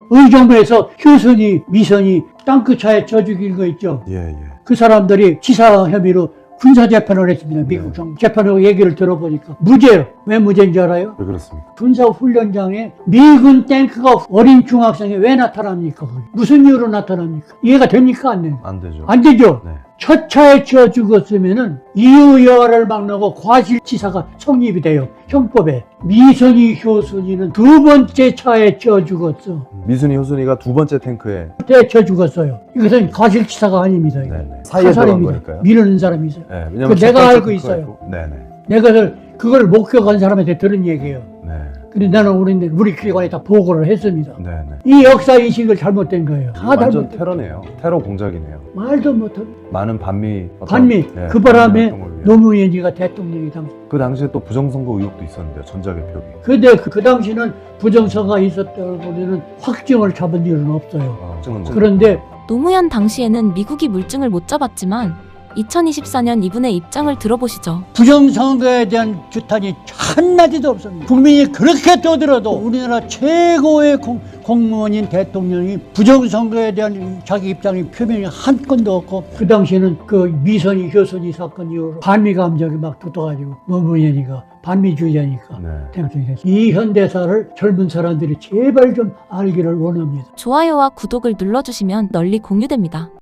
어느 정부에서 효선이, 미선이 땅끝차에 져 죽인 거 있죠. 예, 예. 그 사람들이 치사 혐의로 군사재판을 했습니다. 미국 정부. 재판하고 얘기를 들어보니까 무죄예요. 왜 무죄인 줄 알아요? 왜 그렇습니까? 군사훈련장에 미군 탱크가 어린 중학생이 왜 나타납니까? 거기? 무슨 이유로 나타납니까? 이해가 됩니까? 안 돼요? 안 되죠. 안 되죠? 네. 첫 차에 쳐 죽었으면은 이유여하를 막론하고 과실치사가 성립이 돼요. 형법에. 미선이, 효순이는 두 번째 차에 쳐 죽었어. 미순이, 효순이가 두 번째 탱크에 그때 쳐 죽었어요. 이것은 과실치사가 아닙니다. 이거. 네네. 사이에 들어간 거니까요. 미루는 사람이 있어요. 네, 왜냐면 그 내가 첫 번째 알고 탱크가 있어요. 있고. 네네. 내가 그걸 목격한 사람한테 들은 얘기예요. 네. 근데 나는 우리 기관에 다 보고를 했습니다. 네네. 이 역사인식을 잘못된 거예요. 다 완전 잘못된 테러네요. 테러 공작이네요. 말도 못한 많은 반미 반미. 네, 그 바람에 반미 활동을 위해. 노무현이가 대통령이 당시. 그 당시에 또 부정선거 의혹도 있었는데요. 전자개표기. 근데 그 당시는 부정서가 있었다고 우리는 확정을 잡은 일은 없어요. 그런데 노무현 당시에는 미국이 물증을 못 잡았지만 2024년 이분의 입장을 들어보시죠. 부정선거에 대한 규탄이 한마디도 없습니다. 국민이 그렇게 떠들어도 우리나라 최고의 공무원인 대통령이 부정선거에 대한 자기 입장이 표명이 한 건도 없고, 그 당시에는 그 미선이, 효선이 사건 이후로 반미 감정이 막 붙어가지고 노무현이가 반미주의자니까 네. 대통령이 됐어요. 이 현대사를 젊은 사람들이 제발 좀 알기를 원합니다. 좋아요와 구독을 눌러주시면 널리 공유됩니다.